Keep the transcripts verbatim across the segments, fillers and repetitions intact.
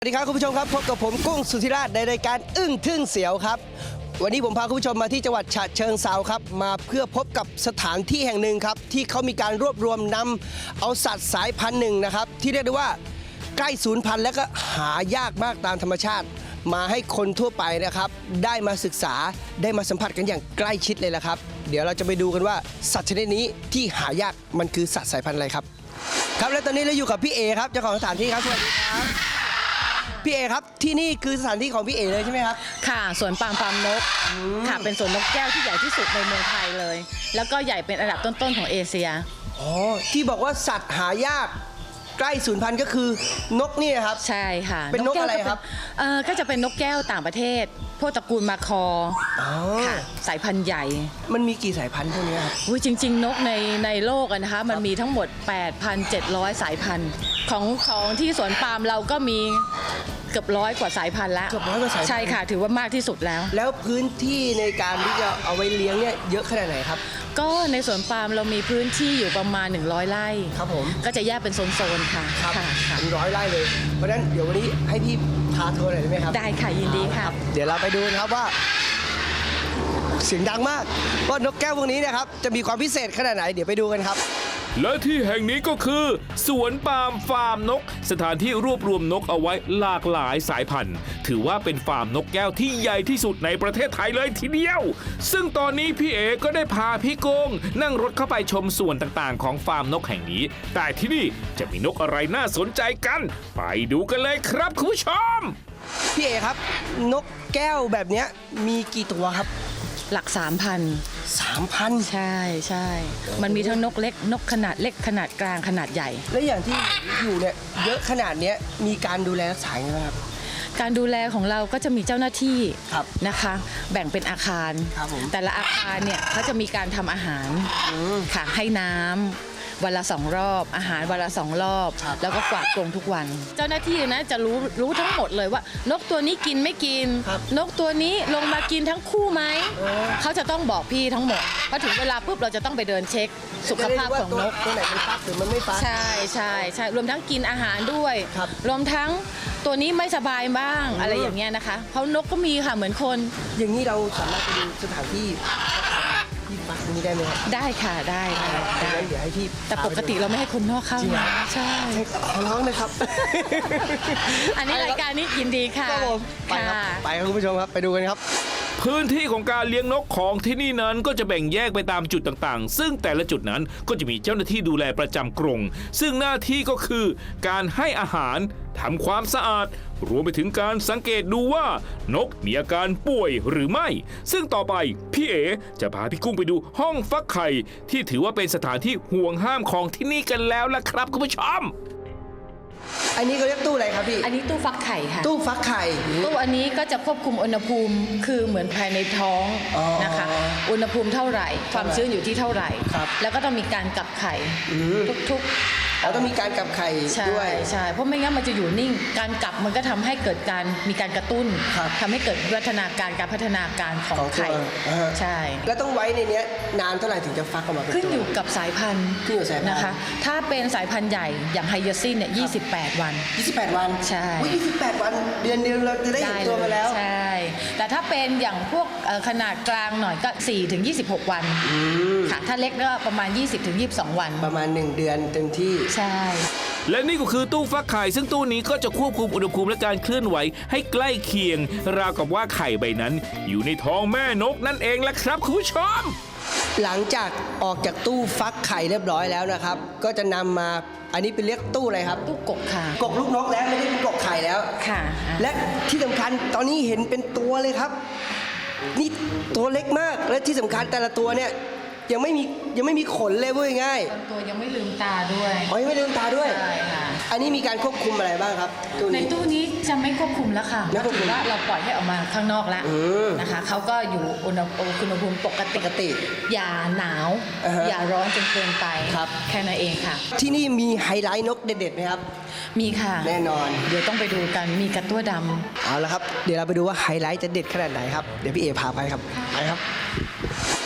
สวัสดีครับคุณผู้ชมครับพบกับผมกุ้งสุธิราชในรายการอึ้งทึ่งเสียวครับวันนี้ผมพาคุณผู้ชมมาที่จังหวัดฉะเชิงเทราครับมาเพื่อพบกับสถานที่แห่งหนึ่งครับที่เขามีการรวบรวมนำเอาสัตว์สายพันธุ์หนึ่งนะครับที่เรียกได้ว่าใกล้สูญพันธุ์และก็หายากมากตามธรรมชาติ มาให้คนทั่วไปนะครับได้มาศึกษาได้มาสัมผัสกันอย่างใกล้ชิดเลยละครับเดี๋ยวเราจะไปดูกันว่าสัตว์ชนิดนี้ที่หายากมันคือสัตว์สายพันธุ์อะไรครับครับและตอนนี้เราอยู่กับพี่เอครับเจ้าของสถานที่ครับสวัสดีครับพี่เอครับที่นี่คือสถานที่ของพี่เอเลยใช่ไหมครับค่ะสวนปาล์มฟาร์มนกค่ะเป็นสวนนกแก้วที่ใหญ่ที่สุดในเมืองไทยเลยแล้วก็ใหญ่เป็นอันดับต้นๆของเอเชียอ๋อที่บอกว่าสัตว์หายากใกล้สูญพันธุ์ก็คือนกนี่ครับใช่ค่ะเป็นนกอะไรครับเออก็จะเป็นนกแก้วต่างประเทศพวกตระกูลมาคอค่ะสายพันธุ์ใหญ่มันมีกี่สายพันธุ์พวกนี้ครับอุ้ยจริงๆนกในในโลกนะคะมันมีทั้งหมด แปดพันเจ็ดร้อย สายพันธุ์ของของที่สวนปาล์มเราก็มีเกือบร้อยกว่าสายพันธุ์แล้วเกือบร้อยกว่าสายพันธุ์ใช่ค่ะถือว่ามากที่สุดแล้วแล้วพื้นที่ในการที่จะเอาไว้เลี้ยงเนี่ยเยอะขนาดไหนครับก็ในสวนปาล์มเรามีพื้นที่อยู่ประมาณหนึ่งร้อยไร่ครับผมก็จะแยกเป็นโซนๆค่ะครับเป็นร้อยไร่เลยเพราะฉะนั้นเดี๋ยววันนี้ให้พี่พาทัวร์หน่อยได้ไหมครับได้ค่ะยินดีค่ะเดี๋ยวเราไปดูนะครับว่าเสียงดังมากว่านกแก้วพวกนี้นะครับจะมีความพิเศษขนาดไหนเดี๋ยวไปดูกันครับและที่แห่งนี้ก็คือสวนปาล์มฟาร์มนกสถานที่รวบรวมนกเอาไว้หลากหลายสายพันธุ์ถือว่าเป็นฟาร์มนกแก้วที่ใหญ่ที่สุดในประเทศไทยเลยทีเดียวซึ่งตอนนี้พี่เอก็ได้พาพี่โกงนั่งรถเข้าไปชมส่วนต่างๆของฟาร์มนกแห่งนี้แต่ที่นี่จะมีนกอะไรน่าสนใจกันไปดูกันเลยครับคุณผู้ชมพี่เอครับนกแก้วแบบนี้มีกี่ตัวครับหลัก สามพันสามพันใช่ใช่มันมีทั้งนกเล็กนกขนาดเล็กขนาดกลางขนาดใหญ่และอย่างที่อยู่เนี่ยเยอะขนาดนี้มีการดูแลรักษาอย่างไรครับการดูแลของเราก็จะมีเจ้าหน้าที่นะคะแบ่งเป็นอาคารแต่ละอาคารเนี่ยเขาจะมีการทำอาหารค่ะให้น้ำวันละสองรอบอาหารวันละสองรอบแล้วก็กวาดกรงทุกวันเจ้าหน้าที่นะจะรู้รู้ทั้งหมดเลยว่านกตัวนี้กินไม่กินนกตัวนี้ลงมากินทั้งคู่ไหมเขาจะต้องบอกพี่ทั้งหมดพอถึงเวลาปุ๊บเราจะต้องไปเดินเช็คสุขภาพของนกตัวไหนมันฟักหรือมันไม่ฟักใช่ใช่ใช่รวมทั้งกินอาหารด้วยรวมทั้งตัวนี้ไม่สบายบ้างอะไรอย่างเงี้ยนะคะเพราะนกก็มีค่ะเหมือนคนอย่างนี้เราสามารถไปดูสถานที่ที่ฟักนี้ได้ไหมครับได้ค่ะได้ค่ะได้เดี๋ยวให้พี่แต่ปกติเราไม่ให้คนนอกเข้านะใช่ขอร้องนะครับอันนี้รายการนี้ยินดีค่ะไปครับไปครับคุณผู้ชมครับไปดูกันครับพื้นที่ของการเลี้ยงนกของที่นี่นั้นก็จะแบ่งแยกไปตามจุดต่างๆซึ่งแต่ละจุดนั้นก็จะมีเจ้าหน้าที่ดูแลประจำกรงซึ่งหน้าที่ก็คือการให้อาหารทำความสะอาดรวมไปถึงการสังเกตดูว่านกมีอาการป่วยหรือไม่ซึ่งต่อไปพี่เอจะพาพี่กุ้งไปดูห้องฟักไข่ที่ถือว่าเป็นสถานที่ห่วงห้ามของที่นี่กันแล้วล่ะครับคุณผู้ชมอันนี้เขาเรียกตู้อะไรครับพี่อันนี้ตู้ฟักไข่ค่ะตู้ฟักไข่ตู้อันนี้ก็จะควบคุมอุณหภูมิคือเหมือนภายในท้องนะคะอุณหภูมิเท่าไหร่ความชื้นอยู่ที่เท่าไหร่แล้วก็ต้องมีการกลับไข่ทุกๆเราต้องมีการกลับไข่ด้วยใช่เพราะไม่งั้นมันจะอยู่นิ่งการกลับมันก็ทำให้เกิดการมีการกระตุ้นทำให้เกิดวิวัฒนาการการพัฒนาการของไข่ใช่แล้วต้องไว้ในนี้นานเท่าไหร่ถึงจะฟักออกมาเป็นตัวขึ้นอยู่กับสายพันธุ์ขึ้นอยู่สายพันธุ์นะคะถ้าเป็นสายพันธุ์ใหญ่อย่างไฮยาซินเนี่ยยี่สิบแปดวันยี่สิบแปดวันใช่ยี่สิบแปดวันเดือนเดียวเราจะได้เห็นตัวมาแล้วใช่แต่ถ้าเป็นอย่างพวกขนาดกลางหน่อยก็สี่ถึงยี่สิบหกวันค่ะถ้าเล็กก็ประมาณยี่สิบถึงยี่สิบสองวันประมาณหนึ่งเดือนเต็มที่ใช่และนี่ก็คือตู้ฟักไข่ซึ่งตู้นี้ก็จะควบคุมอุณหภูมิและการเคลื่อนไหวให้ใกล้เคียงราวกับว่าไข่ใบนั้นอยู่ในท้องแม่นกนั่นเองแหละครับคุณผู้ชมหลังจากออกจากตู้ฟักไข่เรียบร้อยแล้วนะครับก็จะนำมาอันนี้เป็นเรียกตู้อะไรครับตู้กกค่ะกกลูกนกแล้วไม่ได้เป็นกกไข่แล้วค่ะและที่สำคัญตอนนี้เห็นเป็นตัวเลยครับนี่ตัวเล็กมากและที่สำคัญแต่ละตัวเนี่ยยังไม่มียังไม่มีขนเลยพูดง่ายตัวยังไม่ลืมตาด้วยอ๋อยังไม่ลืมตาด้วยใช่ค่ะอันนี้มีการควบคุมอะไรบ้างครับในตู้นี้จะไม่ควบคุมแล้วค่ะถือว่าเราปล่อยให้ออกมาข้างนอกแล้วนะคะเขาก็อยู่อุณหภูมิปกติปกติอย่าหนาวอย่าร้อนจนเกินไปแค่นั้นเองค่ะที่นี่มีไฮไลท์นกเด็ดๆไหมครับมีค่ะแน่นอนเดี๋ยวต้องไปดูกันมีกระตั้วดำเอาละครับเดี๋ยวเราไปดูว่าไฮไลท์จะเด็ดขนาดไหนครับเดี๋ยวพี่เอพาไปครับไปครับส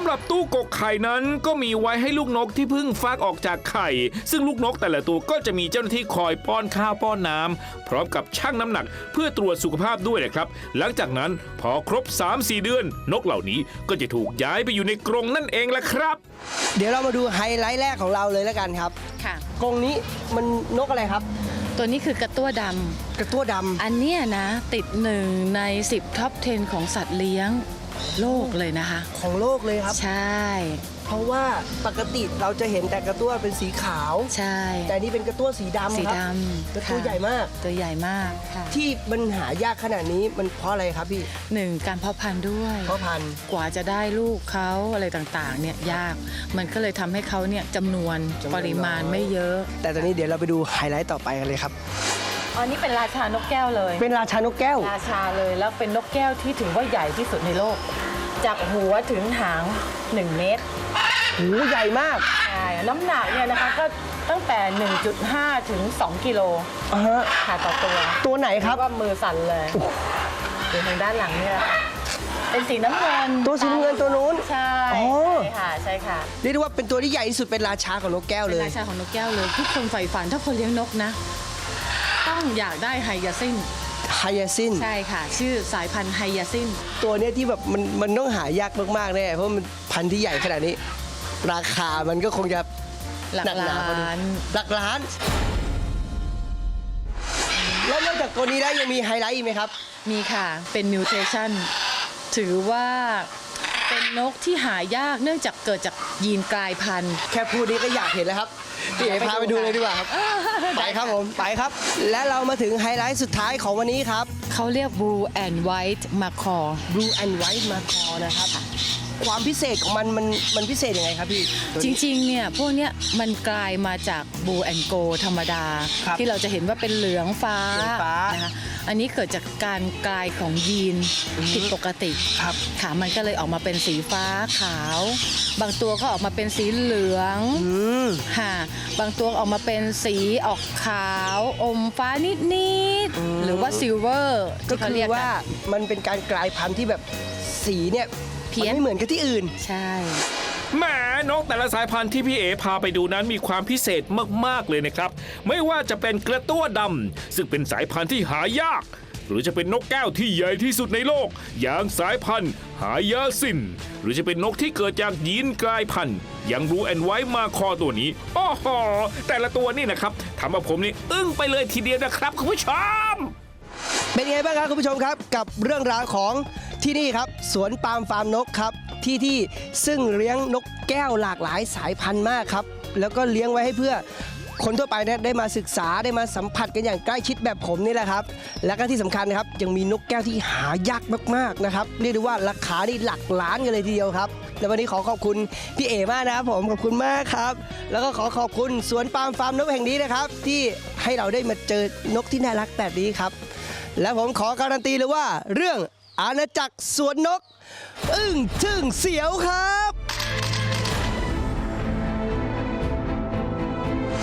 ำหรับตู้กกไข่นั้นก็มีไว้ให้ลูกนกที่เพิ่งฟักออกจากไข่ ซึ่งลูกนกแต่ละตัวก็จะมีเจ้าหน้าที่คอยป้อนข้าวป้อนน้ำพร้อมกับชั่งน้ำหนักเพื่อตรวจสุขภาพด้วยนะครับหลังจากนั้นพอครบ สามสี่ เดือนนกเหล่านี้ก็จะถูกย้ายไปอยู่ในกรงนั่นเองละครับเดี๋ยวเรามาดูไฮไลท์แรกของเราเลยแล้วกันครับค่ะกรงนี้มันนกอะไรครับตัวนี้คือกระตั้วดำกระตั้วดำอันเนี้ยนะติดหนึ่งในสิบท็อปสิบของสัตว์เลี้ยงโลกเลยนะคะของโลกเลยครับใช่เพราะว่าปกติเราจะเห็นแต่กระตั้วเป็นสีขาวใช่แต่นี่เป็นกระตั้วสีดำสีครับดำกระตั้วค่ะใหญ่มากตัวใหญ่มากค่ะที่มันหายากขนาดนี้มันเพราะอะไรครับพี่หนึ่งการเพาะพันธุ์ด้วยเพราะพันธุ์กว่าจะได้ลูกเขาอะไรต่างๆเนี่ยยาก มันก็เลยทำให้เขาเนี่ยจำนวนจำนวนปริมาณน้อยไม่เยอะแต่ตอนนี้เดี๋ยวเราไปดูไฮไลท์ต่อไปกันเลยครับอันนี้เป็นราชานกแก้วเลยเป็นราชานกแก้วราชาเลยแล้วเป็นนกแก้วที่ถือว่าใหญ่ที่สุดในโลก จากหัวถึงหางหนึ่งเมตรหูใหญ่มากใช่น้ำหนักเนี่ยนะคะก็ตั้งแต่ หนึ่งจุดห้า ถึง สอง กิโลอ่าฮะค่ะต่อตัวตัวไหนครับเยกว่ามือสั่นเลยดูทางด้านหลังเนี่ยค่ะเป็นสีน้ำเงินตัวสีน้ำเงินตัวนู้นใช่อ๋อใช่ค่ะใช่ค่ะเรียกได้ว่าเป็นตัวที่ใหญ่ที่สุดเป็นราชาของนกแก้วเป็เลนยราชาของนกแก้วเลยทุกคนใฝ่ฝันถ้าคนเลี้ยงนกนะ ต้องอยากได้ไฮยาซินไฮยาซินใช่ค่ะ ชื่อสายพันธุ์ไฮยาซินตัวเนี้ยที่แบบมันมันต้องหายากมากๆแน่เพราะมันพันธุ์ที่ใหญ่ขนาดนี้ ราคามันก็คงจะหลักหนักหนาล้าพอดูนหลักล้าน แล้วนอกจากตัวนี้ได้ยังมีไฮไลท์อีกไหมครับมีค่ะ เป็นมิวเทชันถือว่าเป็นนกที่หายากเนื่องจากเกิดจากยีนกลายพันธุ์แค่พูดนี้ก็อยากเห็นแล้วครับพี่เอ๋พาไปดูเลยดีกว่าครับ ไปครับผม ไปครับ และเรามาถึงไฮไลท์สุดท้ายของวันนี้ครับเขาเรียก Blue and White Macaw Blue and White Macaw นะครับ ความพิเศษของมันมันมันพิเศษยังไงครับพี่จริงๆ เนี่ยพวกเนี้ยมันกลายมาจาก Blue and Gold ธรรมดาครับที่เราจะเห็นว่าเป็นเหลืองฟ้าเหลืองฟ้านะคะอันนี้เกิดจากการกลายของยีนผิดปกติครับค่ะมันก็เลยออกมาเป็นสีฟ้าขาว บางตัวก็ออกมาเป็นสีเหลืองอืมค่ะบางตัวออกมาเป็นสีออกขาวอมฟ้านิดๆหรือว่าซิลเวอร์ก็ที่เขาคืเรีอยกว่ากันมันเป็นการกลายพันธุ์ที่แบบสีเนี่ยเพี้ยนมัไม่เหมือนกับที่อื่นใช่แหมนกแต่ละสายพันธุ์ที่พี่เอพาไปดูนั้นมีความพิเศษมากๆเลยนะครับ ไม่ว่าจะเป็นกระตั้วดำซึ่งเป็นสายพันธุ์ที่หายาก หรือจะเป็นนกแก้วที่ใหญ่ที่สุดในโลก อย่างสายพันธุ์หายาซิน หรือจะเป็นนกที่เกิดจากยีนกลายพันธุ์อย่างบลูแอนด์ไวท์มาคอตัวนี้โอ้โหแต่ละตัวนี่นะครับทำเอาผมนี่อึ้งไปเลยทีเดียวนะครับคุณผู้ชมเป็นไงบ้างครับคุณผู้ชมครับกับเรื่องราวของที่นี่ครับสวนปาล์มฟาร์มนกครับที่ที่ซึ่งเลี้ยงนกแก้วหลากหลายสายพันธุ์มากครับแล้วก็เลี้ยงไว้ให้เพื่อคนทั่วไปเนี่ยได้มาศึกษาได้มาสัมผัสกันอย่างใกล้ชิดแบบผมนี่แหละครับและก็ที่สำคัญนะครับยังมีนกแก้วที่หายากมากๆนะครับเรียกได้ว่าราคานี่หลักล้านกันเลยทีเดียวครับและวันนี้ขอขอบคุณพี่เอมากนะครับผมขอบคุณมากครับแล้วก็ขอขอบคุณสวนปาล์มฟาร์มนกแห่งนี้นะครับที่ให้เราได้มาเจอนกที่น่ารักแบบนี้ครับ และผมขอการันตีเลยว่าเรื่องอาณาจักรสวนนก อึ้งทึ่งเสียวครับ